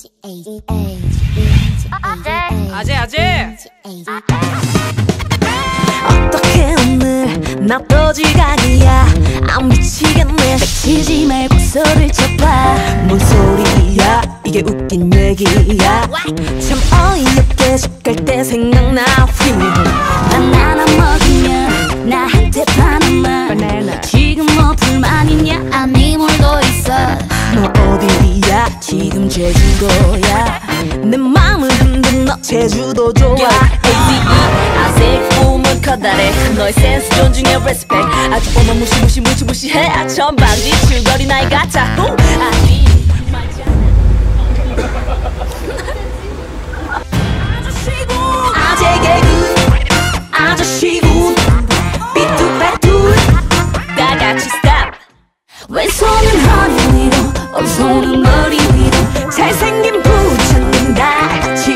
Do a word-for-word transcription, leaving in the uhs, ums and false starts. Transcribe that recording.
아재 아재 어떻게 오늘 나 또 지각이야. 안 미치겠네. 치지 말고 소리를 쳐봐. 뭔 소리야 이게 웃긴 얘기야. 참 어이없게 집 갈 때 생각나. 바나나 먹으면 나한테 파는 말. 지금 뭐 불만 있냐? 아니 뭘더 있어. 너 어디야? 지금 제주도야. 내 맘을 흔든 너 제주도 좋아. 아직 꿈은 커다래. 너의 센스 존중해 respect. 아주 오만 무시무시 무시무시해. 천방지 줄거리 나이 같아. 아니 아재 개그 아저씨군 삐뚤빼뚤 다 같이 stop. 왼손은 허리 위로 오른손은 머리 위로 잘생긴 부처님 다 같이